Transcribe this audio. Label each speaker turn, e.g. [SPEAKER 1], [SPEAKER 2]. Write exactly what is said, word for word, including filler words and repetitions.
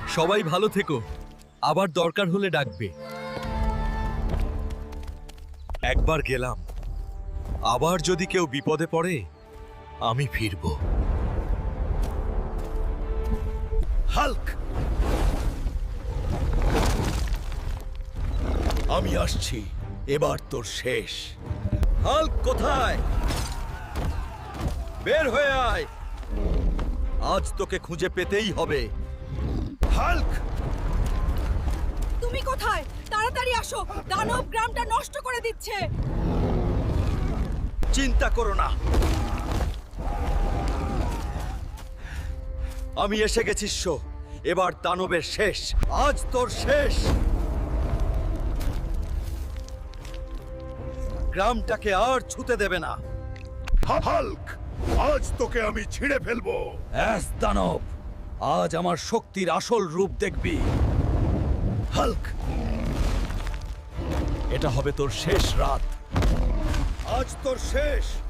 [SPEAKER 1] সবাই ভালো থেকো, আবার দরকার হলে ডাকবে। একবার গেলাম, আবার যদি কেউ বিপদে পড়ে আমি ফিরব। হাল্ক, আমি আসছি, এবার তোর শেষ। হাল্ক কোথায়? বের হয়ে আয়, আজ তোকে খুঁজে পেতেই হবে। হাল্ক,
[SPEAKER 2] তুমি কোথায়? তাড়াতাড়ি আসো, দানব গ্রামটা নষ্ট করে দিচ্ছে।
[SPEAKER 1] চিন্তা করো না, আমি এসে গেছি। শো, এবার দানবের শেষ, আজ তোর শেষ। গ্রামটাকে আর ছুতে দেবে না।
[SPEAKER 3] হাল্ক, আজ তোকে আমি ছিঁড়ে ফেলবো।
[SPEAKER 1] অ্যাস দানব, আজ আমার শক্তির আসল রূপ দেখবি। হাল্ক, এটা হবে তোর শেষ রাত। আজ তোর শেষ।